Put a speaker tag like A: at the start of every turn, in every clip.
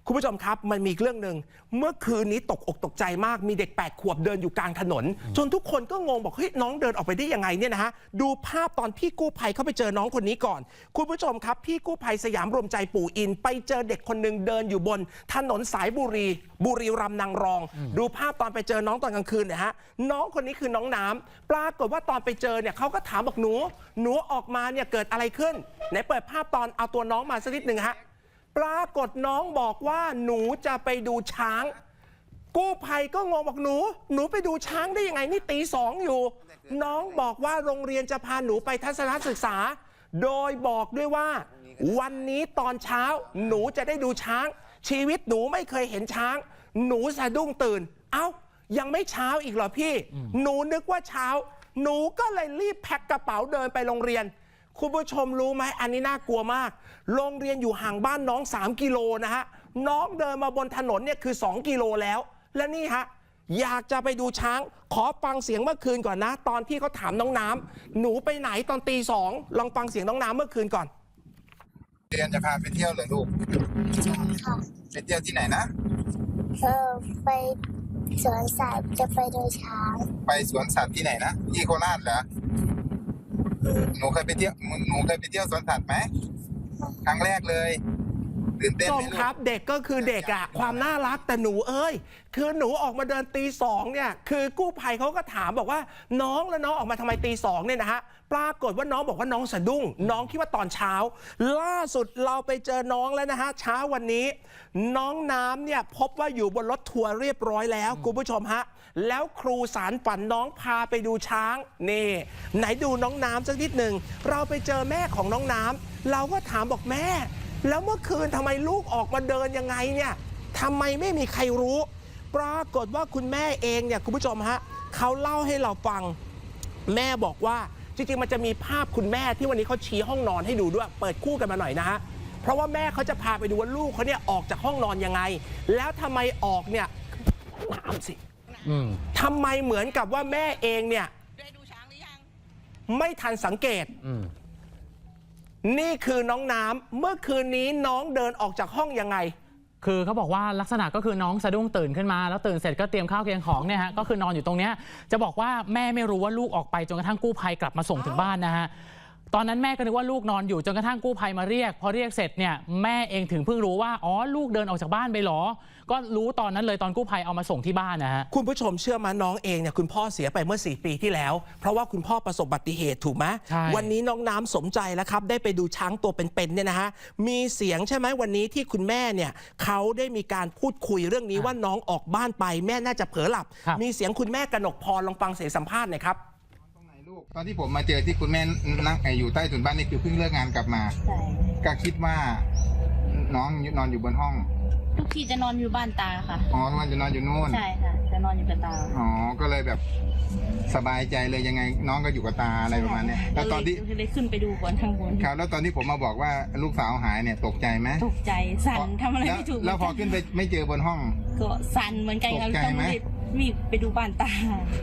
A: คุณผู้ชมครับมันมีเรื่องหนึ่งเมื่อคืนนี้ตกอกตกใจมากมีเด็ก8 ขวบเดินอยู่กลางถนนจนทุกคนก็งงบอกเฮ้ยน้องเดินออกไปได้ยังไงเนี่ยนะฮะดูภาพตอนพี่กู้ภัยเข้าไปเจอน้องคนนี้ก่อนคุณผู้ชมครับพี่กู้ภัยสยามรวมใจปู่อินไปเจอเด็กคนหนึ่งเดินอยู่บนถนนสายบุรีรัมย์นางรองดูภาพตอนไปเจอน้องตอนกลางคืนเนี่ยฮะน้องคนนี้คือน้องน้ำปรากฏว่าตอนไปเจอเนี่ยเขาก็ถามบอกหนูออกมาเนี่ยเกิดอะไรขึ้นไหนเปิดภาพตอนเอาตัวน้องมาสักนิดหนึ่งฮะปรากฏน้องบอกว่าหนูจะไปดูช้างกู้ภัยก็งงบอกหนูไปดูช้างได้ยังไงนี่ตี 2อยู่น้องบอกว่าโรงเรียนจะพาหนูไปทัศนศึกษาโดยบอกด้วยว่าวันนี้ตอนเช้าหนูจะได้ดูช้างชีวิตหนูไม่เคยเห็นช้างหนูสะดุ้งตื่นเอ้ายังไม่เช้าอีกเหรอพี่หนูนึกว่าเช้าหนูก็เลยรีบแพ็คกระเป๋าเดินไปโรงเรียนคุณผู้ชมรู้ไหมอันนี้น่ากลัวมากโรงเรียนอยู่ห่างบ้านน้อง3 กิโลนะฮะน้องเดินมาบนถนนเนี่ยคือ2 กิโลแล้วและนี่ฮะอยากจะไปดูช้างขอฟังเสียงเมื่อคืนก่อนนะตอนที่เขาถามน้องน้ำหนูไปไหนตอนตี 2ลองฟังเสียงน้องน้ำเมื่อคืนก่อน
B: เรียนจะพาไปเที่ยวเหรอลูก
C: ใช่ค่ะ
B: ไปเที่ยวที่ไหนนะ
C: ไปสวนสัตว์จะไปดูช้าง
B: ไปสวนสัตว์ที่ไหนนะที่โคราชเหรอหนูเคยไปเที่ยวสวนสัตว์ไหมครั้งแรกเลยตื่นเต้นไหมลูก
A: ครับเด็กก็คือเด็กอะความน่ารักแต่หนูคือหนูออกมาเดินตี 2เนี่ยคือกู้ภัยเขาก็ถามบอกว่าน้องแล้วน้องออกมาทำไมตี 2เนี่ยนะฮะปรากฏว่าน้องบอกว่าน้องสะดุ้งน้องคิดว่าตอนเช้าล่าสุดเราไปเจอน้องแล้วนะฮะเช้าวันนี้น้องน้ำเนี่ยพบว่าอยู่บนรถทัวร์เรียบร้อยแล้วคุณผู้ชมฮะแล้วครูสารฝันน้องพาไปดูช้างนี่ไหนดูน้องน้ำสักนิดหนึ่งเราไปเจอแม่ของน้องน้ำเราก็ถามบอกแม่แล้วเมื่อคืนทำไมลูกออกมาเดินยังไงเนี่ยทำไมไม่มีใครรู้ปรากฏว่าคุณแม่เองเนี่ยคุณผู้ชมฮะเขาเล่าให้เราฟังแม่บอกว่าจริงๆมันจะมีภาพคุณแม่ที่วันนี้เขาชี้ห้องนอนให้ดูด้วยเปิดคู่กันมาหน่อยนะฮะเพราะว่าแม่เขาจะพาไปดูว่าลูกเขาเนี่ยออกจากห้องนอนยังไงแล้วทำไมออกเนี่ยน้ำสิทำไมเหมือนกับว่าแม่เองเนี่ยไม่ทันสังเกตนี่คือน้องน้ำเมื่อคืนนี้น้องเดินออกจากห้องยังไง
D: คือเขาบอกว่าลักษณะก็คือน้องสะดุ้งตื่นขึ้นมาแล้วตื่นเสร็จก็เตรียมข้าวเตรียมของเนี่ยฮะก็คือนอนอยู่ตรงเนี้ยจะบอกว่าแม่ไม่รู้ว่าลูกออกไปจนกระทั่งกู้ภัยกลับมาส่งถึงบ้านนะฮะตอนนั้นแม่ก็นึกว่าลูกนอนอยู่จนกระทั่งกู้ภัยมาเรียกพอเรียกเสร็จเนี่ยแม่เองถึงเพิ่งรู้ว่าอ๋อลูกเดินออกจากบ้านไปหรอก็รู้ตอนนั้นเลยตอนกู้ภัยเอามาส่งที่บ้านนะฮะ
A: คุณผู้ชมเชื่อมาน้องเองเนี่ยคุณพ่อเสียไปเมื่อ4 ปีที่แล้วเพราะว่าคุณพ่อประสบอุบัติเหตุถูกไหมวันนี้น้องน้ำสมใจแล้วครับได้ไปดูช้างตัวเป็นๆเนี่ยนะฮะมีเสียงใช่ไหมวันนี้ที่คุณแม่เนี่ยเขาได้มีการพูดคุยเรื่องนี้ว่าน้องออกบ้านไปแม่น่าจะเผลอหลับมีเสียงคุณแม่กนกพรลองฟังเสียงสัมภาษณ์หน่อยครับ
B: ตอนที่ผมมาเจอที่คุณแม่นั่งอยู่ใต้ถุนบ้านนี่คือเพิ่งเลิกงานกลับมาก็คิดว่าน้องนอนอยู่บนห้อง
E: ทุกทีจะนอนอยู่บ้านตาค่ะ
B: อ๋อมันจะนอนอยู่นู่น
E: ใช่ค่ะจะนอนอยู่กับตา
B: อ๋อก็เลยแบบสบายใจเลยยังไงน้องก็อยู่กับตาอะไรประมาณนี้แล้วตอนที่
E: เลยขึ้นไปดูก่อนข้างบน
B: ครับแล้วตอนที่ผมมาบอกว่าลูกสาวหายเนี่ยตกใจไหม
E: ตกใจสั่นทำอะไรไม่ถูก
B: แล้วพอขึ้นไปไม่เจอบนห้อง
E: ก็สั่นเหมือนกัน
B: ตกใจไหม
E: มีไปดูบ้านตา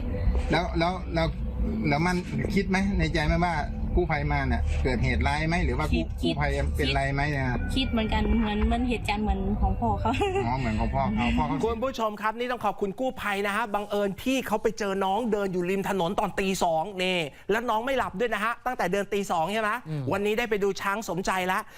B: แล้วมันคิดไหมในใจไหมว่ากู้ภัยมาเนี่ยเกิดเหตุร้ายไหมหรือว่ากู้ภัยเป็นไรไหมเนี่ย
E: คิดเหมือนกันเหมือนเหตุการณ์เหมือนของพ่อเขา
B: อ๋อเหมือนของพ่อเขา
A: คุณผู้ชมครับนี่ต้องขอบคุณกู้ภัยนะฮะบังเอิญพี่เขาไปเจอน้องเดินอยู่ริมถนนตอนตี 2นี่แล้วน้องไม่หลับด้วยนะฮะตั้งแต่เดินตี 2ใช่ไหมวันนี้ได้ไปดูช้างสมใจแล้ว